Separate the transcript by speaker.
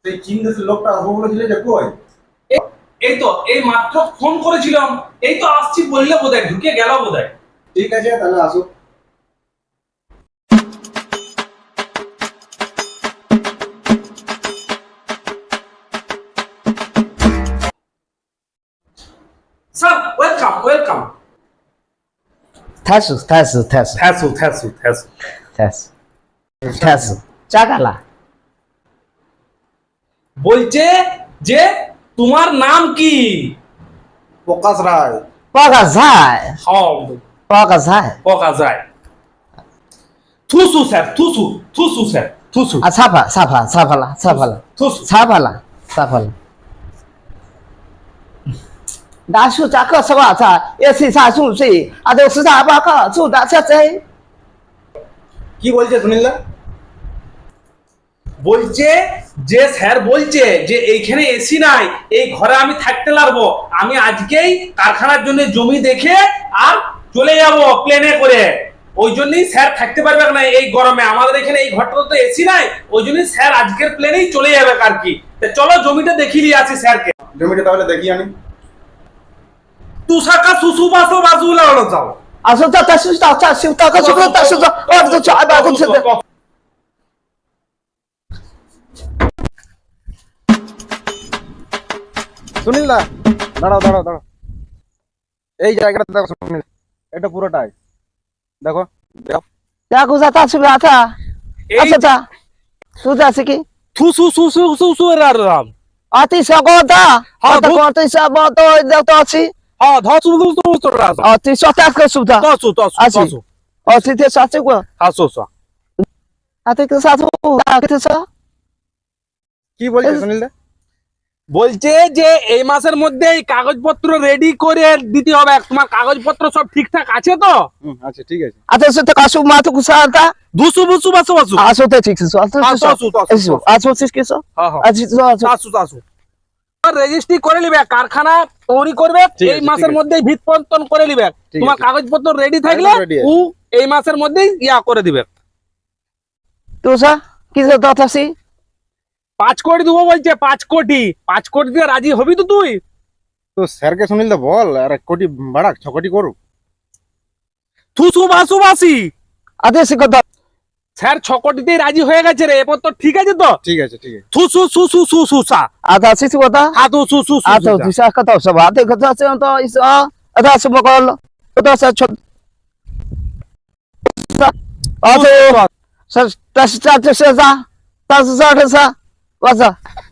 Speaker 1: সেই চীন দেশের লোকটা আসবো বলেছিলে যে কই?
Speaker 2: এই তো এই মাত্র ফোন করেছিলাম, এই তো আসছি বললে বোধহয় ঢুকে গেল বোধহয়।
Speaker 1: ঠিক আছে তাহলে আসো।
Speaker 2: Sir welcome welcome.
Speaker 3: থাসু থাসু থাসু
Speaker 2: থ্যাসু থ্যাসু থ্যাসু।
Speaker 3: থাসু থাসু চাকালা
Speaker 2: বলছে যে তোমার নাম কি?
Speaker 1: প্রকাশ রায়।
Speaker 3: পকা যায়
Speaker 2: হ্যাঁ
Speaker 3: পকা যায়
Speaker 2: পকা যায়। থুসু স্যার থুসু থুসু স্যার থুসু
Speaker 3: সাফা সাফা সাফালা সাফালা
Speaker 2: থুসু।
Speaker 3: সাফালা সাফালা দাসু চাকা সবা চা এসি সাসু সি আদে সুসা বাকা চুদা চাচে
Speaker 1: কি বলছে সুনীলদা?
Speaker 2: বলছে যে স্যার বলছে যে এইখানে এসি নাই, এই ঘরে আমি থাকতে লাগবো, আমি আজকেই কারখানার জন্য জমি দেখে আর চলে যাব প্লেনে করে। ওই জন্যই স্যার থাকতে পারবে না এই গরমে, আমাদের এখানে এই ঘরটা তো এসি নাই, ওই জন্যই স্যার আজকের প্লেনেই চলে যাবে আর কি। তা চলো জমিটা দেখিয়ে দিয়ে আসি স্যারকে।
Speaker 1: জমিটা তাহলে দেখি আমি।
Speaker 2: তুষাকা সুসু বাসো বাজু লাগানো যাও।
Speaker 3: আসো তা তাসু তা তাসু তা কাসু তা তাসু তা ও তো চা বা কোন সে
Speaker 1: সুনীলদা দাঁড়াও দাঁড়াও দাঁড়াও, এই জায়গাটা দেখো সুনীল, এটা পুরোটাই দেখো।
Speaker 3: যা কুসা তাসু আতা আচ্ছা তা সুদা সিকি
Speaker 2: থুসু সুসু সুসু রাম।
Speaker 3: আতি সগদা
Speaker 2: হ্যাঁ,
Speaker 3: আতা কোতে সাব তো দেওতা আছে
Speaker 2: হ্যাঁ ধসু সুসু রাম।
Speaker 3: আতি সতা কুসুদা
Speaker 2: তসু তসু
Speaker 3: আছি
Speaker 2: তসু
Speaker 3: আতি তে সাচে কো
Speaker 2: হাসু সা।
Speaker 3: আতি কে সাথু আতি সা
Speaker 1: কি বলছে সুনীলদা?
Speaker 2: বলছে যে এই মাসের মধ্যে এই কাগজপত্র রেডি করে দিতে হবে। তোমার কাগজপত্র সব ঠিকঠাক আছে তো?
Speaker 1: আচ্ছা ঠিক আছে।
Speaker 3: আতি সতে কাসু মাতু কুসাতা
Speaker 2: দুসু বুসু বাসু বাসু।
Speaker 3: আসো তে ঠিক সু আসো
Speaker 2: তসু তসু।
Speaker 3: আসো সিস কেসো
Speaker 2: হ্যাঁ হ্যাঁ
Speaker 3: আজি তো আসো
Speaker 2: চাসু চাসু। রেজিস্ট্রি করে নিবে, কারখানা তৈরি করবে
Speaker 1: ঠিক
Speaker 2: এই
Speaker 1: আছে,
Speaker 2: মাসের
Speaker 1: ঠিক আছে।
Speaker 2: মধ্যেই ভিত পন্তন করে নিবে।
Speaker 1: ঠিক
Speaker 2: তোমার
Speaker 1: আছে।
Speaker 2: কাগজপত্র রেডি থাকলে
Speaker 1: একদম ready আছে।
Speaker 2: ও এই মাসের মধ্যেই ইয়া করে দিবে।
Speaker 3: তুসা কিসে দতাসি
Speaker 2: 5 কোটি দেবো বলছে, 5 কোটি। 5 কোটি দিয়ে রাজি হবি তো তুই?
Speaker 1: তো স্যারকে সুনীলদা বল আর 1 কোটি বাড়াক, 6 কোটি করুক।
Speaker 2: থুসু বাসু বাসি।
Speaker 3: আতি সিকো দ
Speaker 2: স্যার 6 কোটিতেই রাজি হয়ে গেছে রে, এরপর তো ঠিক আছে তো?
Speaker 1: ঠিক আছে ঠিক আছে।
Speaker 2: থুসু সুসু সুসু সা।
Speaker 3: আতা সিসি কোতা
Speaker 2: হাতু সুসু
Speaker 3: আতা
Speaker 2: সুসু।
Speaker 3: তুসা কত সব আতি কত আছে তো ইস আতা সব কল তো সা ছোট আতো সা তাস তাস সা তাস সা সা ওয়াসা